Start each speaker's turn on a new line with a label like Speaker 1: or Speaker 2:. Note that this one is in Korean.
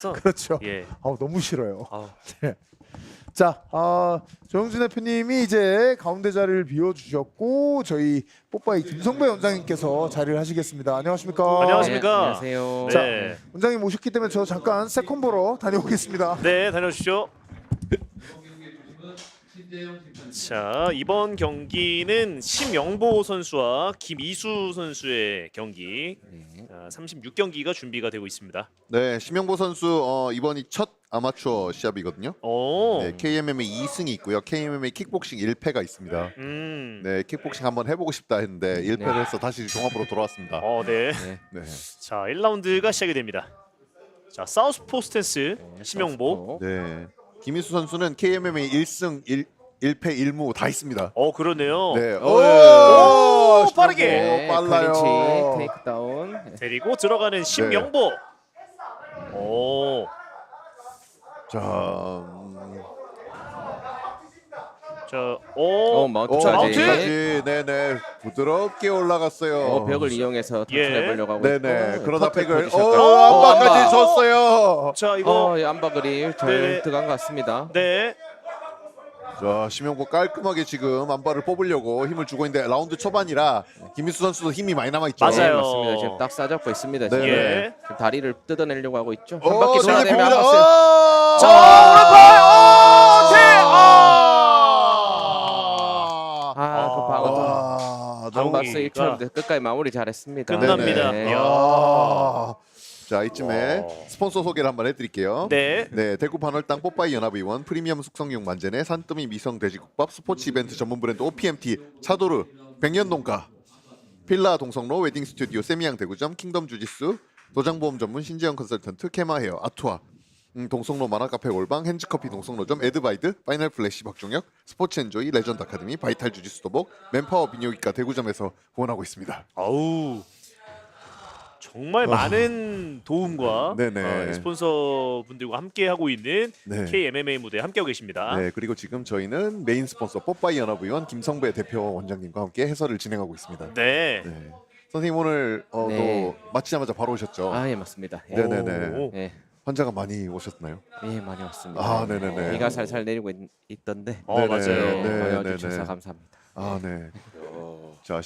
Speaker 1: 그렇죠.
Speaker 2: 예.
Speaker 1: 너무 싫어요.
Speaker 2: 아우.
Speaker 1: 자, 정영준 대표님이 이제 가운데 자리를 비워주셨고 저희 뽀빠이 김성배 원장님께서 자리를 하시겠습니다. 안녕하십니까?
Speaker 2: 안녕하십니까?
Speaker 3: 네, 안녕하세요.
Speaker 2: 네.
Speaker 1: 원장님 오셨기 때문에 저 잠깐 세컨 보러 다녀오겠습니다.
Speaker 2: 네, 다녀오십시오. 자, 이번 경기는 심영보 선수와 김이수 선수의 경기. 자, 36경기가 준비가 되고 있습니다.
Speaker 4: 네, 심영보 선수 이번이 첫 아마추어 시합이거든요.
Speaker 2: 오.
Speaker 4: 네, KMMA 2승이 있고요. KMMA 킥복싱 1패가 있습니다. 네, 킥복싱 한번 해보고 싶다 했는데 1패를 해서 다시 종합으로 돌아왔습니다.
Speaker 2: 네.
Speaker 4: 네,
Speaker 2: 자, 1라운드가 시작이 됩니다. 자, 사우스포 스탠스 심영보.
Speaker 4: 네. 김희수 선수는 KMMA 1승 1패 1무 다 있습니다.
Speaker 2: 그러네요.
Speaker 4: 네,
Speaker 2: 오, 빠르게.
Speaker 3: 네,
Speaker 4: 빨라요.
Speaker 3: 클린치 테이크다운.
Speaker 2: 데리고 들어가는 심영보. 오.
Speaker 4: 자,
Speaker 2: 자,
Speaker 3: 마운트까지.
Speaker 4: 마운트까지, 네네, 부드럽게 올라갔어요.
Speaker 3: 벽을 이용해서
Speaker 2: 예.
Speaker 3: 터치해 보려고 하고
Speaker 4: 네네,
Speaker 3: 있고,
Speaker 4: 그러다
Speaker 3: 퍼펙트
Speaker 4: 백을
Speaker 3: 포지션까지.
Speaker 4: 안바까지
Speaker 3: 안바.
Speaker 4: 줬어요.
Speaker 2: 자, 이거
Speaker 3: 안바그리 잘
Speaker 2: 네.
Speaker 3: 들어간 것 같습니다.
Speaker 2: 네.
Speaker 4: 자, 심영보 깔끔하게 지금 안바를 뽑으려고 힘을 주고 있는데 라운드 초반이라 김희수 선수도 힘이 많이 남아 있죠.
Speaker 2: 맞아요.
Speaker 3: 네, 맞습니다. 지금 딱 싸잡고 있습니다. 지금.
Speaker 4: 네.
Speaker 2: 예.
Speaker 3: 지금 다리를 뜯어내려고 하고 있죠. 한 바퀴
Speaker 4: 자,
Speaker 3: 돌아내면 한
Speaker 4: 봅니다.
Speaker 3: 박스. 그 방어 한 박스
Speaker 2: 정우기가
Speaker 3: 1차인데 끝까지 마무리 잘했습니다.
Speaker 2: 끝납니다.
Speaker 3: 네.
Speaker 2: 이야.
Speaker 4: 자, 이쯤에 스폰서 소개를 한번 해드릴게요.
Speaker 2: 네.
Speaker 4: 네, 대구 반월당 뽀빠이 연합의원 프리미엄 숙성육 만재네 산더미 미성 돼지국밥 스포츠 이벤트 전문 브랜드 OPMT 차도르 백년농가 필라 동성로 웨딩 스튜디오 세미양 대구점 킹덤 주짓수 도장보험 전문 신재영 컨설턴트 케마헤어 아투아 동성로 만화카페 올방 핸즈커피 동성로점 에드바이드 파이널 플래시 박종혁 스포츠 엔조이 레전드 아카데미 바이탈 주짓수 도복 맨파워 비뇨기과 대구점에서 후원하고 있습니다.
Speaker 2: 아우. 정말 많은 도움과
Speaker 4: 네네.
Speaker 2: 스폰서 분들과 함께 하고 있는
Speaker 4: 네.
Speaker 2: KMMA 무대에 함께하고 계십니다.
Speaker 4: 네, 그리고 지금 저희는 메인 스폰서 뽀빠이 연합의원 김성배 대표 원장님과 함께 해설을 진행하고 있습니다.
Speaker 2: 네.
Speaker 4: 네. 선생님 오늘
Speaker 3: 네.
Speaker 4: 또 마치자마자 바로 오셨죠?
Speaker 3: 예, 맞습니다. 예.
Speaker 4: 네네네.
Speaker 2: 오.
Speaker 3: 예.
Speaker 4: 환자가 많이 오셨나요?
Speaker 3: 예, 많이 왔습니다.
Speaker 4: 아, 네네네.
Speaker 3: 비가 살살 내리고 있던데.
Speaker 2: 맞아요.
Speaker 4: 네,
Speaker 3: 와주셔서
Speaker 4: 네네.
Speaker 3: 감사합니다.
Speaker 4: 아, 네. 자,